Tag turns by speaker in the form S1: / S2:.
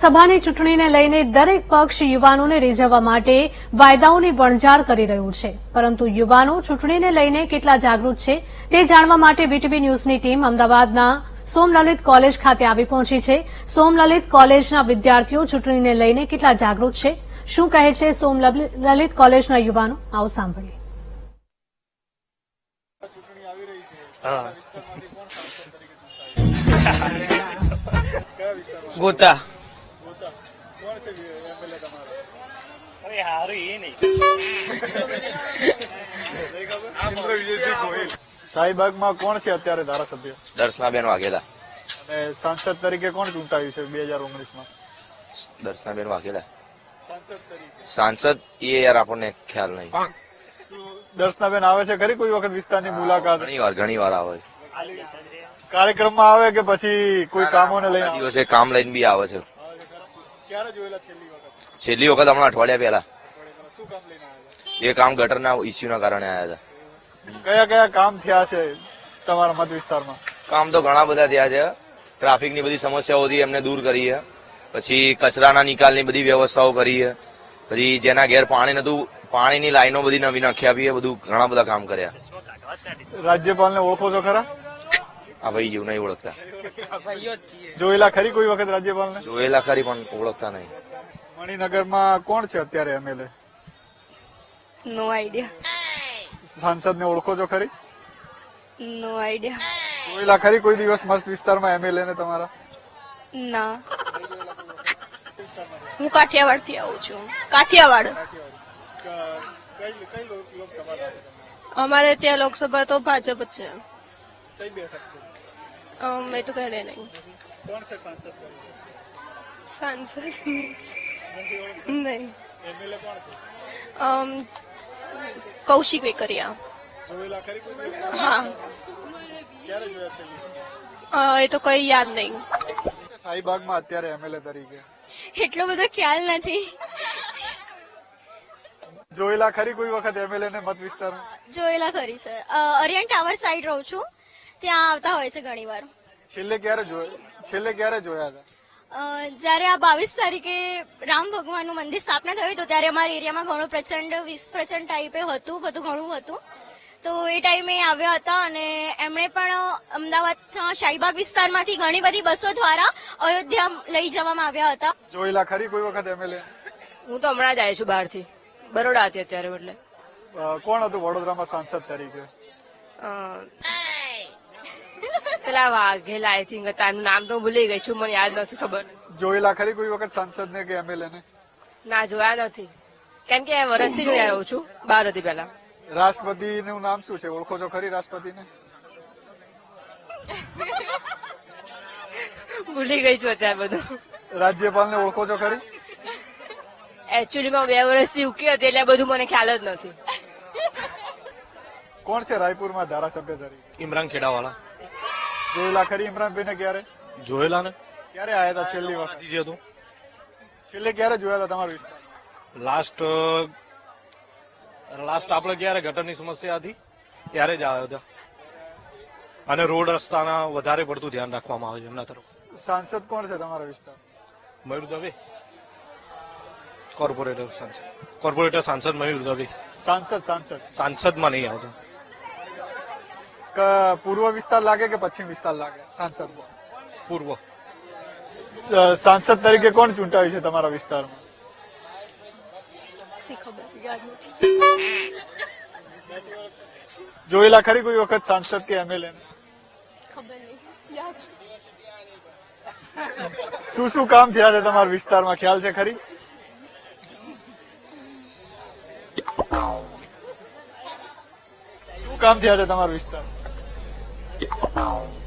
S1: લોકસભાની ચૂંટણીને લઈને દરેક પક્ષ યુવાનોને રીઝવવા માટે વાયદાઓની વણઝાર કરી રહ્યું છે, પરંતુ યુવાનો ચૂંટણીને લઈને કેટલા જાગૃત છે તે જાણવા માટે વીટીવી ન્યૂઝની ટીમ અમદાવાદના સોમલલિત કોલેજ ખાતે આવી પહોંચી છે. સોમલલિત કોલેજના વિદ્યાર્થીઓ ચૂંટણીને લઈને કેટલા જાગૃત છે, શું કહે છે સોમલલિત કોલેજના યુવાનો, આવો સાંભળીએ.
S2: ગોતા
S3: શાહીબાગમાં કોણ છે અત્યારે ધારાસભ્ય?
S2: દર્શનાબેન વાઘેલા.
S3: અને સાંસદ તરીકે કોણ ચૂંટાયું છે 2019માં?
S2: દર્શનાબેન વાઘેલા
S3: સાંસદ તરીકે.
S2: સાંસદ એ યાર આપણને ખ્યાલ નહીં.
S3: દર્શનાબેન આવે છે ખરી કોઈ વખત વિસ્તારની મુલાકાત?
S2: ઘણી વાર આવે.
S3: કાર્યક્રમમાં આવે કે પછી કોઈ કામોને લઈને આવે?
S2: દિવસે કામ લઈને બી આવે છે.
S3: ક્યારે જોયેલા છેલ્લી વખત?
S2: છેલ્લી વખત હમણાં અઠવાડિયા પહેલા.
S3: શું કામ લઈને આવ્યા?
S2: એ કામ ગટરના ઇસ્યુના કારણે આવ્યા હતા.
S3: કયા કયા કામ થયા છે તમારા મત વિસ્તારમાં?
S2: કામ તો ઘણા બધા થયા છે. ટ્રાફિકની બધી સમસ્યાઓ હતી એમને દૂર કરી છે. પછી કચરાના નિકાલની બધી વ્યવસ્થાઓ કરી છે. પછી જેના ઘેર પાણી નતું, પાણીની લાઈનો બધી નવી નાખી આપી છે. બધું ઘણા બધા કામ કર્યા.
S3: રાજ્યપાલને ઓળખો છો ખરા?
S2: આ ભાઈ જેવું નહીં ઓળખતા.
S3: જોયેલા ખરી કોઈ વખત રાજ્યપાલને?
S2: જોયેલા ખરી પણ ઓળખતા નહીં.
S3: મણિનગરમાં કોણ છે અત્યારે એમએલએ?
S4: નો આઈડિયા.
S3: સાંસદને ઓળખો છો ખરી?
S4: No idea.
S3: જોયેલા ખરી કોઈ દિવસ મસ્ત વિસ્તારમાં એમએલએ ને તમારા?
S4: ના, હું કાઠિયાવાડ થી આવું છું. કાઠિયાવાડ. અમારે ત્યાં લોકસભા તો ભાજપ જ છે.
S3: કઈ બેઠક છે?
S4: મેં તો કહે નહીં.
S3: કોણ છે સાંસદ?
S4: સાંસદ નહીં.
S3: એમએલએ કોણ છે?
S4: કૌશિક વેકરિયા.
S3: જોયેલા ખરી કોઈ દિવસ?
S4: હા,
S3: ક્યારે જોયા છે?
S4: એ તો કઈ યાદ નહીં.
S3: શાહીબાગમાં અત્યારે એમએલએ તરીકે
S4: એટલો બધો ખ્યાલ નથી.
S3: જોયેલા ખરી કોઈ વખત એમએલએ ને મત વિસ્તારમાં?
S4: જોયેલા ખરી છે. અરિયન ટાવર સાઈડ રહું છું, ત્યાં આવતા હોય છે ઘણી વાર.
S3: છેલ્લે ક્યારે જોયા હતા?
S4: જયારે આ 22 તારીખે રામ ભગવાનનું મંદિર સ્થાપના થયું હતું ત્યારે અમારા એરિયામાં ઘણું પ્રચંડ ટાઈપે હતું, બધું ઘણું હતું. તો એ ટાઈમે આવ્યા હતા અને એમણે પણ અમદાવાદના શાહીબાગ વિસ્તારમાંથી ઘણી બધી બસો દ્વારા અયોધ્યા લઈ જવામાં આવ્યા હતા.
S3: જોયેલા ખરી કોઈ વખત એમએલએ?
S5: હું તો હમણાં જ આવી છું બહારથી, બરોડા હતી અત્યારે. એટલે
S3: કોણ હતું વડોદરામાં સાંસદ તરીકે?
S5: પેલા વાઘેલા આઈ થિંક હતા, એમનું નામ તો હું ભૂલી ગઈ છું, મને યાદ નથી ખબર.
S3: જોયેલા ખરી કોઈ વખત સાંસદ ને કે એમએલએ ને?
S5: ના, જોયા નથી, કેમ કે વર્ષથી જ હું રહું છું, બહાર હતી પેલા.
S3: રાષ્ટ્રપતિનું નામ શું છે, ઓળખો છો ખરી રાષ્ટ્રપતિને?
S5: ભૂલી ગઈ છું અત્યારે બધું.
S3: રાજ્યપાલને ઓળખો છો ખરી?
S5: એકચ્યુઅલીમાં 2 વર્ષથી ઉકી હતી એટલે બધું મને ખ્યાલ જ નથી.
S3: કોણ છે રાયપુરમાં ધારાસભ્ય તરીકે?
S6: ઇમરાન ખેડાવાળા.
S3: જોયેલા ખરી ઇમરાનભાઈ ને? ક્યારે
S6: જોયેલા ને?
S3: ક્યારે આવ્યા હતા છેલ્લી વખત?
S6: જે હતું
S3: છેલ્લે ક્યારે જોયા હતા તમારા વિસ્તાર?
S6: લાસ્ટ આપણે ક્યારે ગટરની સમસ્યા હતી ત્યારે જ આવ્યા હતા. અને રોડ રસ્તાના વધારે પડતું ધ્યાન રાખવામાં આવે છે એમના તરફ.
S3: સાંસદ કોણ છે તમારા વિસ્તાર?
S6: મયુર દવે. કોર્પોરેટર સાંસદ મયુર દવે. સાંસદમાં નહીં આવતો.
S3: પૂર્વ વિસ્તાર લાગે કે પશ્ચિમ વિસ્તાર લાગે સાંસદ?
S6: પૂર્વ.
S3: સાંસદ તરીકે કોણ ચૂંટાયું છે તમારા વિસ્તારમાં? જોયેલા ખરી કોઈ વખત સાંસદ કે એમએલએ? શું શું કામ થયા છે તમારા વિસ્તારમાં, ખ્યાલ છે ખરી? શું કામ થયા છે તમારા વિસ્તારમાં?